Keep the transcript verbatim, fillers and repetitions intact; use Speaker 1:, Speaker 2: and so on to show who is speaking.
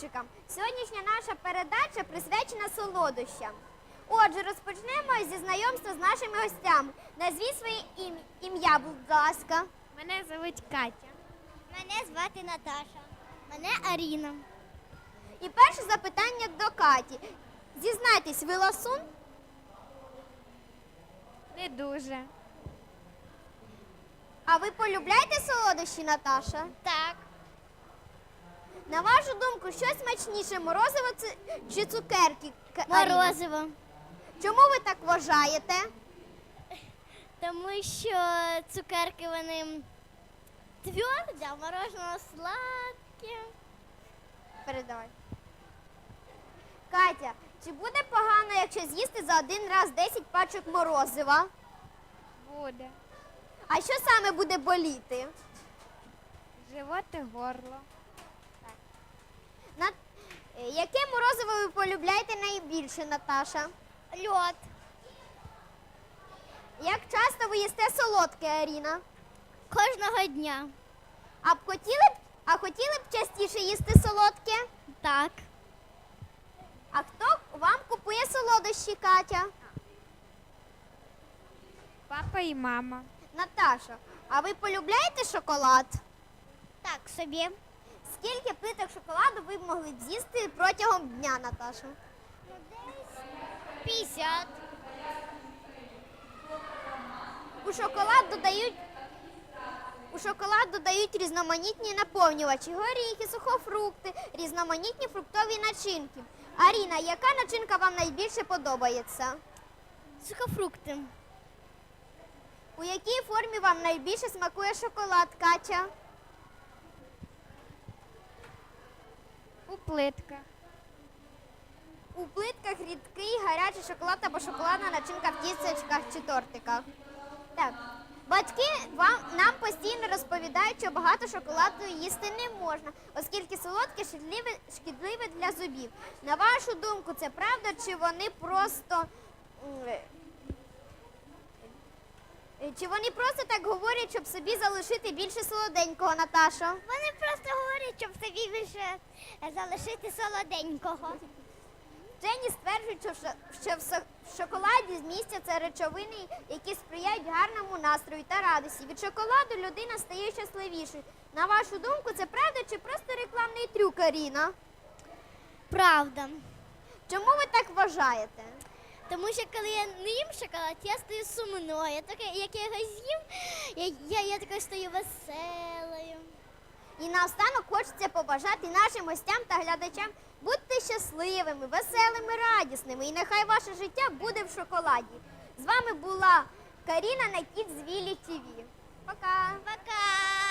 Speaker 1: хлопчикам! Сьогоднішня наша передача присвячена солодощам. Отже, розпочнемо зі знайомства з нашими гостями. Назвіть своє ім... ім'я, будь ласка.
Speaker 2: Мене звуть Катя.
Speaker 3: Мене звати Наташа. Мене Аріна.
Speaker 1: І перше запитання до Каті. Зізнайтесь, ви ласун?
Speaker 2: Не дуже.
Speaker 1: А ви полюбляєте солодощі, Наташа?
Speaker 3: Так.
Speaker 1: На вашу думку, що смачніше, морозиво ці- чи цукерки? К- Аріна?
Speaker 3: Морозиво.
Speaker 1: Чому ви так вважаєте?
Speaker 3: Тому що цукерки вони тверді, а мороженое сладке.
Speaker 1: Передавай. Катя, чи буде погано, якщо з'їсти за один раз десять пачок морозива?
Speaker 2: Буде.
Speaker 1: А що саме буде боліти?
Speaker 2: Живот і горло.
Speaker 1: На... е, Яке морозиво ви полюбляєте найбільше, Наташа?
Speaker 3: Льод.
Speaker 1: Як часто ви їсте солодке, Аріна?
Speaker 3: Кожного дня.
Speaker 1: А б хотіли б, а хотіли б частіше їсти солодке?
Speaker 3: Так.
Speaker 1: А хто вам купує солодощі, Катя?
Speaker 2: Папа і мама.
Speaker 1: Наташа, а ви полюбляєте шоколад?
Speaker 3: Так собі.
Speaker 1: Скільки плиток шоколаду ви б могли б з'їсти протягом дня, Наташа?
Speaker 3: п'ятдесят.
Speaker 1: У шоколад додають у шоколад додають різноманітні наповнювачі, горіхи, сухофрукти, різноманітні фруктові начинки. Аріна, яка начинка вам найбільше подобається?
Speaker 3: Сухофрукти.
Speaker 1: У якій формі вам найбільше смакує шоколад, Катя?
Speaker 2: У плитках.
Speaker 1: У плитках рідкий, гарячий шоколад або шоколадна начинка в тістечках чи тортиках. Так. Батьки вам, нам постійно розповідають, що багато шоколаду їсти не можна, оскільки солодке шкідливе, шкідливе для зубів. На вашу думку, це правда, чи вони просто м, е, чи вони просто так говорять, щоб собі залишити більше солоденького, Наташо?
Speaker 3: Вони просто говорять, щоб собі більше залишити солоденького.
Speaker 1: Вчені стверджують, що, в шо- що в со- в шоколаді змістяться речовини, які сприяють гарному настрою та радості. Від шоколаду людина стає щасливішою. На вашу думку, це правда чи просто рекламний трюк, Аріна?
Speaker 3: Правда.
Speaker 1: Чому ви так вважаєте?
Speaker 3: Тому що коли я не їм шоколад, я стаю сумною. Я таке, як я його з'їм, я, я, я така стаю веселою.
Speaker 1: І наостанок хочеться побажати нашим гостям та глядачам будьте щасливими, веселими, радісними. І нехай ваше життя буде в шоколаді. З вами була Каріна на Kids Вілі ТВ. Пока!
Speaker 3: Пока!